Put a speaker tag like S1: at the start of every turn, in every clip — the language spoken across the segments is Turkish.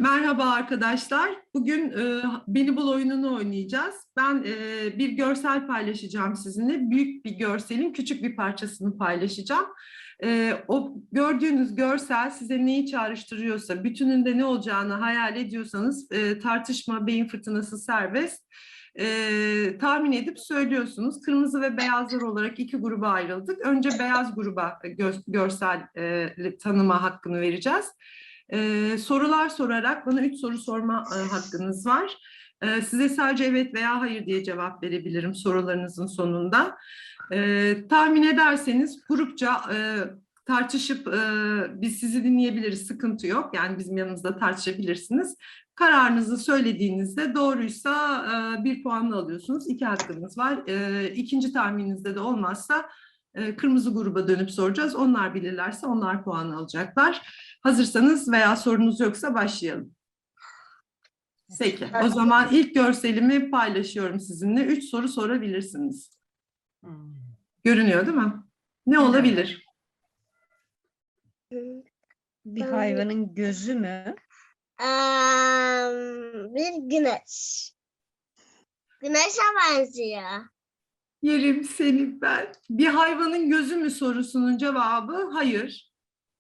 S1: Merhaba arkadaşlar. Bugün Beni Bul oyununu oynayacağız. Ben bir görsel paylaşacağım sizinle. Büyük bir görselin küçük bir parçasını paylaşacağım. O gördüğünüz görsel size neyi çağrıştırıyorsa, bütününde ne olacağını hayal ediyorsanız tartışma, beyin fırtınası serbest. Tahmin edip söylüyorsunuz. Kırmızı ve beyazlar olarak iki gruba ayrıldık. Önce beyaz gruba görsel tanıma hakkını vereceğiz. Sorular sorarak bana 3 soru sorma hakkınız var. Size sadece evet veya hayır diye cevap verebilirim sorularınızın sonunda. Tahmin ederseniz grupça tartışıp biz sizi dinleyebiliriz, sıkıntı yok. Yani bizim yanımızda tartışabilirsiniz. Kararınızı söylediğinizde doğruysa bir puanla alıyorsunuz. 2 hakkınız var. İkinci tahmininizde de olmazsa kırmızı gruba dönüp soracağız. Onlar bilirlerse onlar puan alacaklar. Hazırsanız veya sorunuz yoksa başlayalım. Peki, o zaman ilk görselimi paylaşıyorum sizinle. 3 soru sorabilirsiniz. Görünüyor değil mi? Ne olabilir?
S2: Bir hayvanın gözü mü?
S3: Bir güneş. Güneşe benziyor.
S1: Yerim seni ben. Bir hayvanın gözü mü sorusunun cevabı hayır.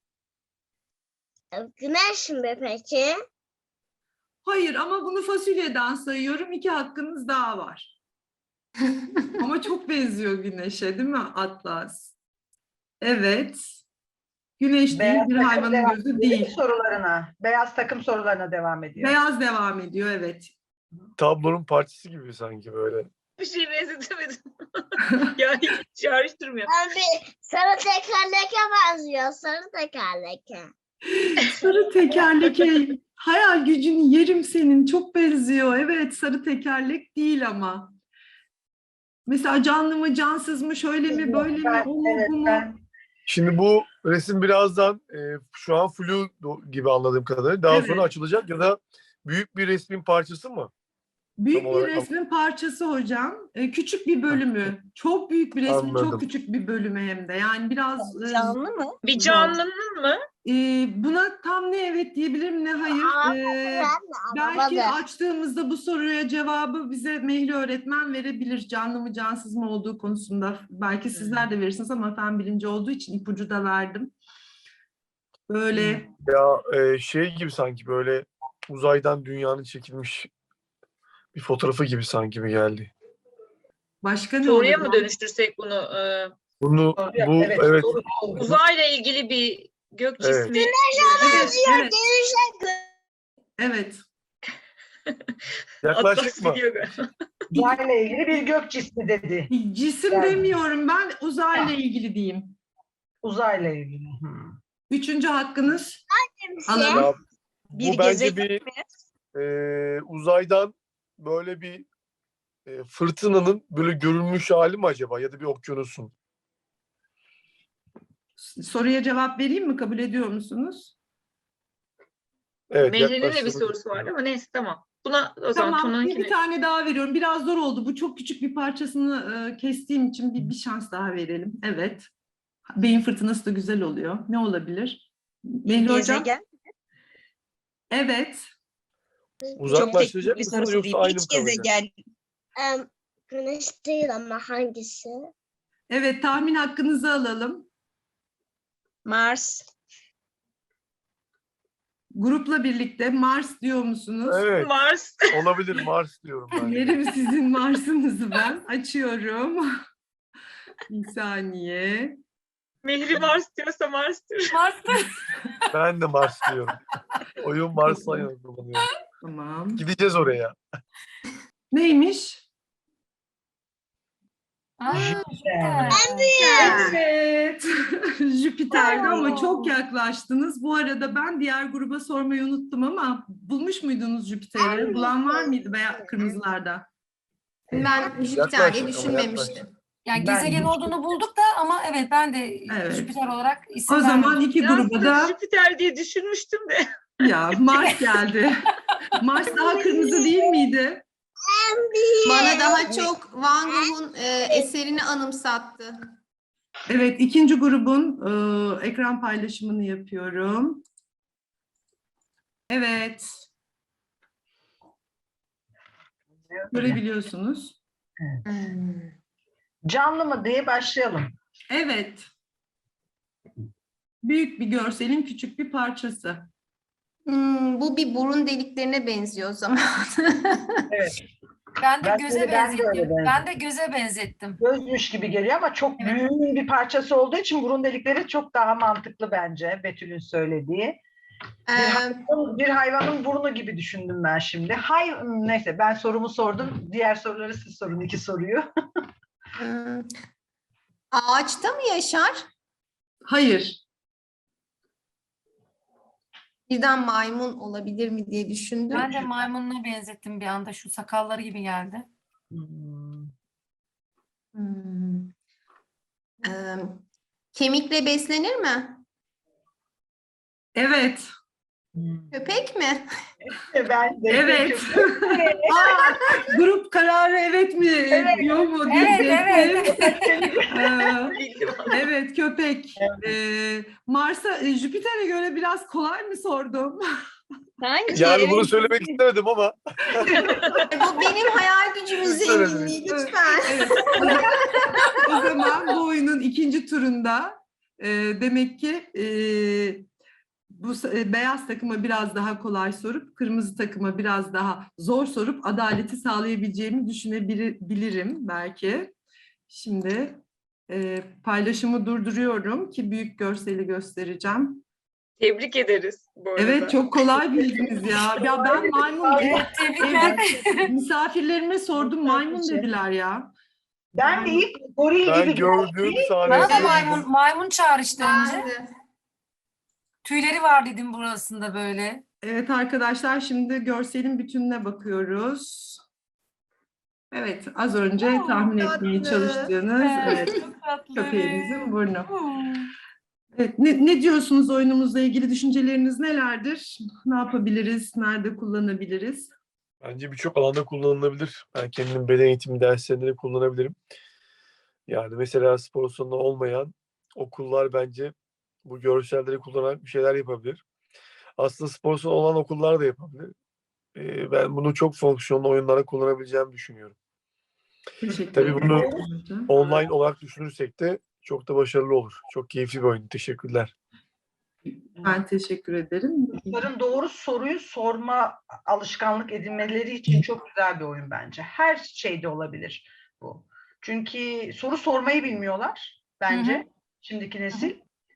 S3: Güneş mi peki?
S1: Hayır ama bunu fasulyeden sayıyorum. 2 hakkınız daha var. Ama çok benziyor güneşe değil mi Atlas? Evet. Güneş değil, bir hayvanın gözü değil.
S4: Beyaz takım sorularına devam ediyor.
S1: Beyaz devam ediyor, evet.
S5: Tablonun parçası gibi sanki böyle.
S6: Bir şey benzetemedim. Yani hiç çağrıştırmıyor.
S3: Bir sarı tekerleke benziyor. Sarı tekerleke.
S1: Sarı tekerlek, hayal gücünü yerim senin, çok benziyor. Evet, sarı tekerlek değil ama. Mesela canlı mı, cansız mı, şöyle mi, böyle mi, o mu, bu mu?
S5: Şimdi bu resim birazdan şu an flu gibi anladığım kadarıyla daha sonra açılacak ya da büyük bir resmin parçası mı?
S1: Büyük
S5: Tam
S1: bir
S5: olarak
S1: resmin parçası hocam. Küçük bir bölümü. Çok büyük bir resmin çok
S5: Anladım.
S1: küçük bir bölümü hem de. Yani biraz...
S2: Canlı mı?
S6: Bir canlının mı?
S1: Buna tam ne evet diyebilirim ne hayır. Belki
S3: Anlamadım.
S1: açtığımızda bu soruya cevabı bize Mehli öğretmen verebilir. Canlı mı cansız mı olduğu konusunda. Belki sizler de verirsiniz ama fen bilimci olduğu için ipucu da verdim. Böyle
S5: Ya şey gibi sanki böyle uzaydan dünyanın çekilmiş bir fotoğrafı gibi sanki mi geldi?
S1: başka ne
S6: Soruya
S1: olur?
S6: mı dönüştürsek bunu?
S5: Bu evet.
S6: Uzayla ilgili bir gök
S5: Evet.
S6: cismi.
S1: Evet, evet,
S3: Güneşe
S1: evet.
S5: Yaklaşık
S6: Atlas
S5: mı?
S6: biliyor galiba.
S4: Uzayla ilgili bir gök cismi dedi.
S1: Cisim
S4: Yani.
S1: demiyorum ben, uzayla ilgili diyeyim.
S4: Uzayla ilgili.
S1: Üçüncü hakkınız.
S3: benziyor.
S1: Alalım.
S5: Ya,
S2: Bir
S5: bu bence
S2: gezegen
S5: bir uzaydan böyle bir fırtınanın böyle görülmüş hali mi acaba ya da bir okyanusun?
S1: Soruya cevap vereyim mi? Kabul ediyor musunuz?
S5: Evet,
S6: Mehri'nin de bir
S5: yaklaştırdık.
S6: sorusu vardı ama neyse tamam. Buna o zaman
S1: Tamam, bir
S6: Tuna'nınkine.
S1: tane daha veriyorum. Biraz zor oldu. Bu çok küçük bir parçasını kestiğim için bir şans daha verelim. Evet. Beyin fırtınası da güzel oluyor. Ne olabilir? Mehri hocam?
S2: gezegen.
S1: Evet.
S5: Uzaklaştıracak
S2: Bir
S5: mısınız
S2: sorusu değil.
S5: yoksa aynı mı
S2: Hiç
S5: kalacak?
S2: gezegen.
S3: Güneş değil ama hangisi?
S1: Evet, tahmin hakkınızı alalım.
S2: Mars.
S1: Grupla birlikte Mars diyor musunuz?
S5: Evet,
S6: Mars.
S5: olabilir Mars diyorum ben.
S1: Yerim sizin Mars'ınızı ben. Açıyorum. Bir saniye.
S6: Mehri Mars diyorsa Mars diyor.
S5: Ben de Mars diyorum. Oyun Mars'la yana kullanıyorum.
S1: Tamam.
S5: Gideceğiz oraya.
S1: Neymiş? Evet. Jüpiter'di ama çok yaklaştınız. Bu arada ben diğer gruba sormayı unuttum ama bulmuş muydunuz Jüpiter'i? Bulan var mıydı veya kırmızılarda?
S7: Ben Jüpiter diye
S5: Yaklaştık ama
S7: düşünmemiştim. Yani
S4: Ben
S7: gezegen
S4: hiç-
S7: olduğunu bulduk da ama evet ben de
S1: Evet.
S7: Jüpiter olarak isim
S1: O zaman
S7: vermedim.
S1: iki gruba da
S6: Jüpiter diye düşünmüştüm de.
S1: ya Mars geldi. Mars daha kırmızı değil miydi?
S7: Bana daha çok Van Gogh'un eserini anımsattı.
S1: Evet, ikinci grubun ekran paylaşımını yapıyorum. Evet, görebiliyorsunuz.
S7: Hmm.
S4: Canlı mı diye başlayalım.
S1: Evet. Büyük bir görselin küçük bir parçası.
S7: Bu bir burun deliklerine benziyor o zaman.
S4: Evet.
S8: Ben de
S4: Ben
S8: göze
S4: de öyle
S8: benzettim.
S4: benzettim.
S8: Ben de göze benzettim.
S4: Gözmüş gibi geliyor ama çok
S8: Evet.
S4: büyük bir parçası olduğu için burun delikleri çok daha mantıklı bence Betül'ün söylediği. Bir hayvanın burnu gibi düşündüm ben şimdi. Neyse ben sorumu sordum. Diğer soruları siz sorun, 2 soruyu.
S7: Ağaçta mı yaşar?
S1: Hayır.
S7: Birden maymun olabilir mi diye düşündüm.
S8: Ben de maymununa benzettim bir anda. Şu sakalları gibi geldi.
S7: Hmm. Kemikle beslenir mi?
S1: Evet.
S7: Köpek mi?
S4: Ben de
S1: Evet. Grup kararı evet mi diyor mu diyecektim.
S6: Bildim.
S1: Evet, köpek. Mars'a, Jüpiter'e göre biraz kolay mı sordum?
S2: Sanki
S5: Yani bunu
S2: evet.
S5: söylemek istemedim ama
S7: Bu benim hayal gücümün
S5: Söyledim.
S7: zenginliği lütfen.
S1: Evet. O zaman bu oyunun ikinci turunda demek ki beyaz takıma biraz daha kolay sorup kırmızı takıma biraz daha zor sorup adaleti sağlayabileceğimi düşünebilirim belki. Şimdi paylaşımı durduruyorum ki büyük görseli göstereceğim.
S6: Tebrik ederiz bu arada.
S1: Evet, çok kolay bildiniz ya. Ya ben maymun
S8: Evet, tebrikler.
S1: misafirlerime sordum, maymun dediler ya.
S4: Ben de ilk goril
S5: ben
S4: gibi
S5: gördüğüm
S8: Bana da
S5: sahne
S8: maymun çağrıştı önce.
S7: Ben de.
S8: Tüyleri var dedim burasında böyle.
S1: Evet arkadaşlar, şimdi görselin bütününe bakıyoruz. Evet, az önce tahmin etmeye
S7: tatlı.
S1: çalıştığınız evet,
S8: Çok tatlı.
S1: köpeğimizin burnu.
S8: Hmm.
S1: Evet, ne diyorsunuz oyunumuzla ilgili, düşünceleriniz nelerdir? Ne yapabiliriz, nerede kullanabiliriz?
S5: bence birçok alanda kullanılabilir. Ben kendim beden eğitimi derslerinde de kullanabilirim. Yani mesela spor salonu olmayan okullar bence bu görselleri kullanarak bir şeyler yapabilir. Aslında spor salonu olan okullar da yapabilir. Ben bunu çok fonksiyonlu oyunlara kullanabileceğimi düşünüyorum.
S1: Teşekkür
S5: Tabii
S1: ederim.
S5: bunu
S1: hocam.
S5: online olarak düşünürsek de çok da başarılı olur. Çok keyifli bir oyun. Teşekkürler.
S1: Ben teşekkür ederim.
S4: Çocukların doğru soruyu sorma alışkanlık edinmeleri için çok güzel bir oyun bence. Her şeyde olabilir bu. Çünkü soru sormayı bilmiyorlar bence şimdiki nesil.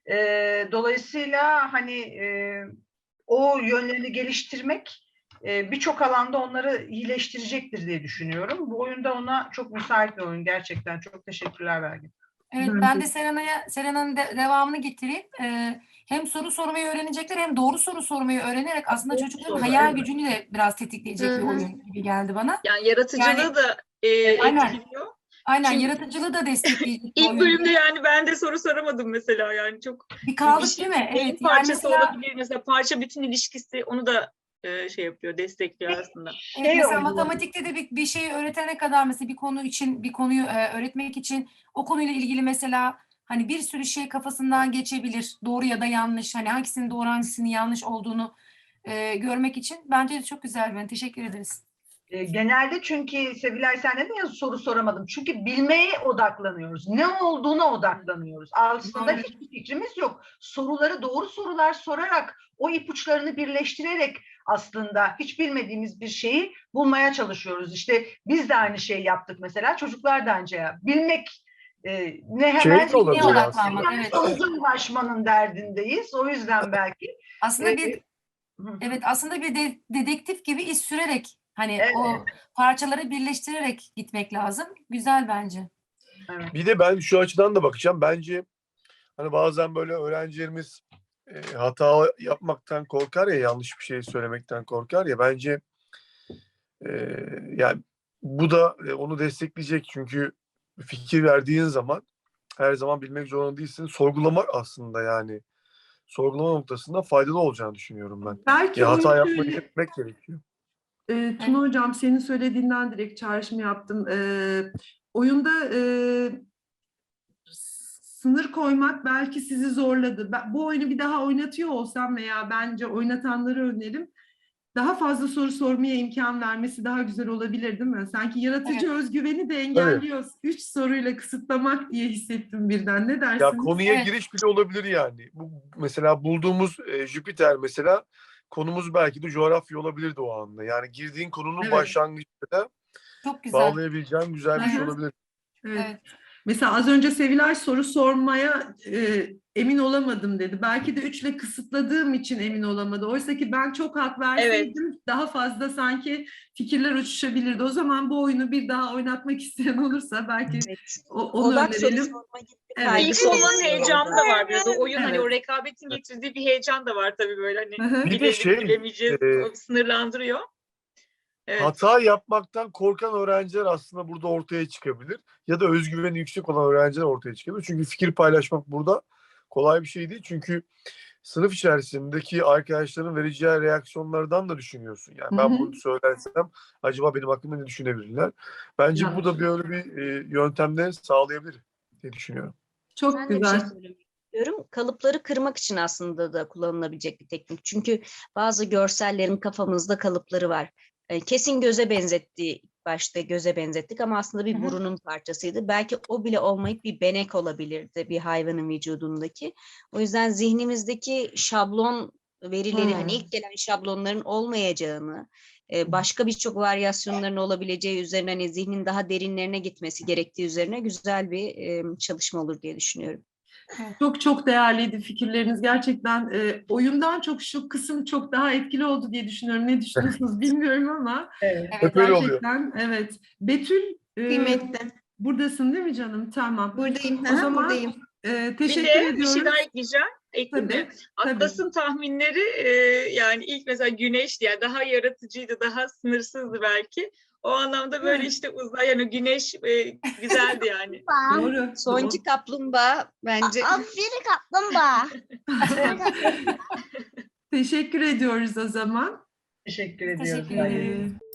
S4: Dolayısıyla hani o yönlerini geliştirmek birçok alanda onları iyileştirecektir diye düşünüyorum. Bu oyunda ona çok müsait bir oyun gerçekten. Çok teşekkürler Belgin.
S8: Evet,
S1: Ben
S8: ben
S1: de-
S8: de Serena'nın devamını getireyim. Hem soru sormayı öğrenecekler hem doğru soru sormayı öğrenerek aslında
S4: Doğru
S8: çocukların
S4: soru,
S8: hayal
S4: evet.
S8: gücünü de biraz tetikleyecek bir
S7: Hı hı.
S8: oyun gibi geldi bana.
S6: Yani yaratıcılığı
S8: Yani-
S6: da
S8: Aynen.
S6: etkiliyor.
S8: Aynen,
S6: Çünkü
S8: yaratıcılığı da destekleyecek bir
S6: İlk
S8: oyun.
S6: bölümde yani ben de soru soramadım mesela, yani çok
S8: Bir kaldık
S6: şey-
S8: değil mi?
S6: beyin
S8: Evet. Yani
S6: parçası
S8: mesela,
S6: olabilir mesela, parça bütün ilişkisi onu da şey yapıyor, destekliyor aslında.
S8: evet, mesela
S4: oyunu.
S8: matematikte de bir şeyi öğretene kadar mesela bir konu için bir konuyu öğretmek için o konuyla ilgili mesela hani bir sürü şey kafasından geçebilir. Doğru ya da yanlış. Hani hangisinin doğru hangisinin yanlış olduğunu görmek için bence de çok güzel. Ben teşekkür ederiz.
S4: Genelde çünkü Sevilay sen dedin ya soru soramadım. Çünkü bilmeye odaklanıyoruz. Ne olduğuna odaklanıyoruz. Aslında
S8: Doğru.
S4: hiçbir fikrimiz yok. Soruları doğru sorular sorarak o ipuçlarını birleştirerek aslında hiç bilmediğimiz bir şeyi bulmaya çalışıyoruz. İşte biz de aynı şeyi yaptık mesela. Çocuklar da aynı şey yaptı. Bilmek ne hemen
S5: de olabilir
S8: aslında.
S4: hemen
S8: Evet.
S4: sonuca ulaşmanın derdindeyiz. O yüzden belki
S8: Aslında
S4: Ee,
S8: bir evet aslında bir dedektif gibi iz sürerek hani
S4: Evet.
S8: o parçaları birleştirerek gitmek lazım. Güzel bence.
S4: evet.
S5: Bir de ben şu açıdan da bakacağım. Bence hani bazen böyle öğrencilerimiz hata yapmaktan korkar ya, yanlış bir şey söylemekten korkar ya. Bence yani bu da onu destekleyecek. Çünkü fikir verdiğin zaman her zaman bilmek zorunda değilsin. Sorgulamak aslında yani. Sorgulama noktasında faydalı olacağını düşünüyorum ben.
S1: Belki
S5: Ya hata
S1: oyun
S5: yapmayı
S1: şöyle-
S5: bilmek gerekiyor.
S1: Tuna Hocam, senin söylediğinden direkt çağrışım yaptım. Oyunda sınır koymak belki sizi zorladı. Bu oyunu bir daha oynatıyor olsam veya bence oynatanları öneririm. daha fazla soru sormaya imkan vermesi daha güzel olabilir değil mi? Sanki yaratıcı özgüveni de engelliyor. 3 soruyla kısıtlamak diye hissettim birden. Ne
S5: Ya
S1: dersiniz?
S5: konuya
S8: Evet.
S5: giriş bile olabilir yani. Bu mesela bulduğumuz Jüpiter mesela konumuz belki de coğrafya olabilirdi o anda. Yani girdiğin konunun
S1: Evet.
S5: başlangıçta da
S8: Çok güzel.
S5: bağlayabileceğin güzel bir şey
S1: Hı hı.
S5: olabilir.
S1: Evet.
S8: Evet.
S1: Mesela az önce Sevilay soru sormaya emin olamadım dedi. Belki de 3'le kısıtladığım için emin olamadı. Oysa ki ben çok hak verseydim daha fazla sanki fikirler uçuşabilirdi. O zaman bu oyunu bir daha oynatmak isteyen olursa belki
S2: Evet.
S1: onu
S2: Odak soru
S1: önerelim.
S2: sorma gibi bir
S1: Evet.
S2: kaygısı
S6: İlk olmanın
S2: oluşuyor
S6: heyecanı
S2: orada.
S6: da var biraz. O oyun hani o
S1: Evet.
S6: rekabetin getirdiği bir heyecan da var tabii böyle hani
S1: Hı hı.
S5: Bir de
S6: bilelim bilemeyeceğiz o sınırlandırıyor. Evet.
S5: hata yapmaktan korkan öğrenciler aslında burada ortaya çıkabilir. Ya da özgüveni yüksek olan öğrenciler ortaya çıkabilir. Çünkü fikir paylaşmak burada kolay bir şey değil. Çünkü sınıf içerisindeki arkadaşların vereceği reaksiyonlardan da düşünüyorsun. Yani
S1: Hı
S5: ben
S1: hı.
S5: bunu söylersem acaba benim hakkımda ne düşünebilirler? Bence
S1: Ya.
S5: bu da böyle bir yöntemle sağlayabilir diye düşünüyorum.
S1: Çok
S2: Ben de bir şey
S1: güzel.
S2: söylemek istiyorum. Kalıpları kırmak için aslında da kullanılabilecek bir teknik. Çünkü bazı görsellerin kafamızda kalıpları var. Kesin göze benzetti, ilk başta göze benzettik ama aslında bir
S8: Hı hı.
S2: burunun parçasıydı. Belki o bile olmayıp bir benek olabilirdi bir hayvanın vücudundaki. O yüzden zihnimizdeki şablon verileri hani ilk gelen şablonların olmayacağını, başka birçok varyasyonların olabileceği üzerine hani zihnin daha derinlerine gitmesi gerektiği üzerine güzel bir çalışma olur diye düşünüyorum.
S1: Çok çok değerliydi fikirleriniz. Gerçekten oyundan çok şu kısım çok daha etkili oldu diye düşünüyorum. Ne düşünüyorsunuz bilmiyorum ama
S4: Evet.
S5: Hep öyle oluyor.
S1: gerçekten evet. Betül
S7: Kıymetli.
S1: buradasın değil mi canım? Tamam.
S7: Buradayım.
S1: O zaman
S7: buradayım.
S6: Bir
S1: teşekkür
S6: de bir
S1: ediyoruz.
S6: şey daha ekleyeceğim. Ekleyeyim mi?
S1: Tabii, tabii.
S6: Atlas'ın tahminleri yani ilk mesela güneş yani daha yaratıcıydı, daha sınırsızdı belki. O anlamda böyle
S1: Evet.
S6: işte uzay yani güneş güzeldi yani.
S1: Doğru.
S2: Sonki kaplumbağa bence
S3: Aferin kaplumbağa.
S1: Teşekkür ediyoruz o zaman.
S4: Teşekkür
S8: Biz
S4: ediyoruz.
S8: teşekkür ederiz.
S1: Ee,